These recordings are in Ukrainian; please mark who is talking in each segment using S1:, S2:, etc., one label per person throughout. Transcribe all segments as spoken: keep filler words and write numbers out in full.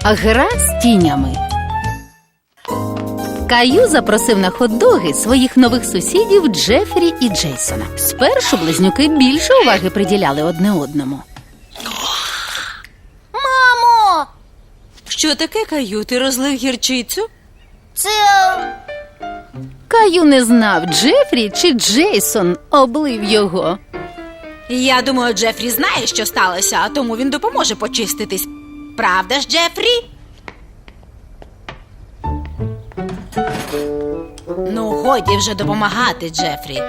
S1: Гра з тінями. Каю запросив на хот-доги своїх нових сусідів Джефрі і Джейсона. Спершу близнюки більше уваги приділяли одне одному.
S2: Мамо!
S3: Що таке, Каю? Ти розлив гірчицю?
S2: Це...
S1: Каю не знав, Джефрі чи Джейсон облив його.
S3: Я думаю, Джефрі знає, що сталося, а тому він допоможе почиститись. Правда ж, Джефрі? Ну, годі вже допомагати, Джефрі.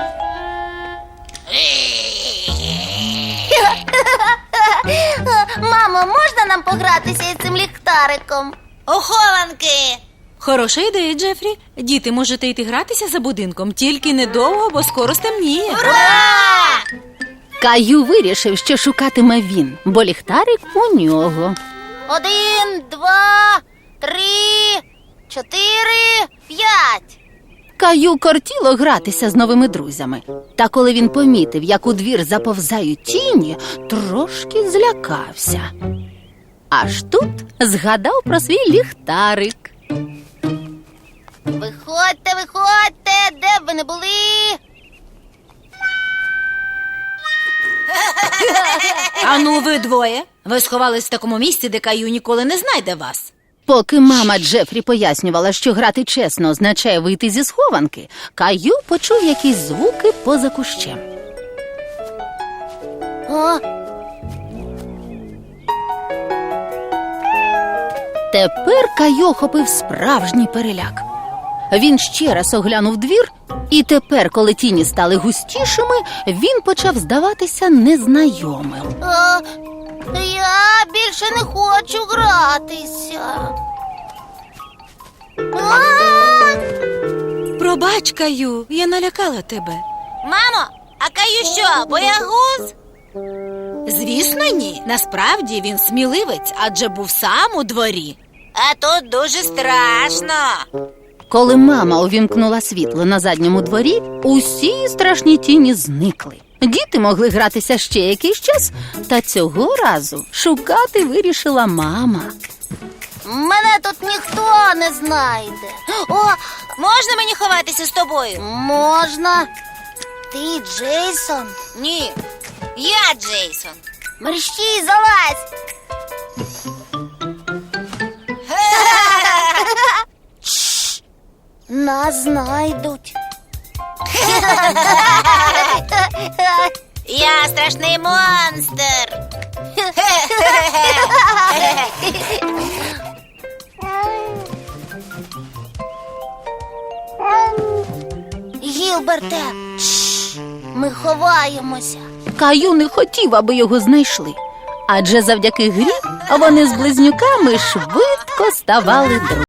S2: Мамо, можна нам погратися із цим ліхтариком? У хованки!
S3: Хороша ідея, Джефрі. Діти, можете йти гратися за будинком, тільки недовго, бо скоро стемніє.
S2: Ура!
S1: Каю вирішив, що шукатиме він, бо ліхтарик у нього.
S2: Один, два, три, чотири, п'ять.
S1: Каю кортіло гратися з новими друзями. Та коли він помітив, як у двір заповзають тіні, трошки злякався. Аж тут згадав про свій ліхтарик.
S2: Виходьте, виходьте, де б ви не були.
S3: Ану, ви двоє. Ви сховались в такому місці, де Каю ніколи не знайде вас.
S1: Поки мама Джефрі пояснювала, що грати чесно означає вийти зі схованки, Каю почув якісь звуки поза кущем.
S2: О,
S1: Тепер Каю охопив справжній переляк. Він ще раз оглянув двір, і тепер, коли тіні стали густішими, він почав здаватися незнайомим.
S2: а, я більше не хочу гратися. А!
S3: Пробач, Каю, я налякала тебе.
S2: Мамо, а Каю що, боягуз?
S3: Звісно, ні. Насправді він сміливець, адже був сам у дворі.
S2: А тут дуже страшно.
S1: Коли мама увімкнула світло на задньому дворі, усі страшні тіні зникли. Діти могли гратися ще якийсь час, та цього разу шукати вирішила мама.
S2: Мене тут ніхто не знайде. О, можна мені ховатися з тобою? Можна. Ти Джейсон? Ні, я Джейсон. Мерщій, залазь. Чш, нас знайдуть. Я страшний монстр. Гілберте, чш, ми ховаємося.
S1: Каю не хотів, аби його знайшли, адже завдяки грі вони з близнюками швидко ставали друзями.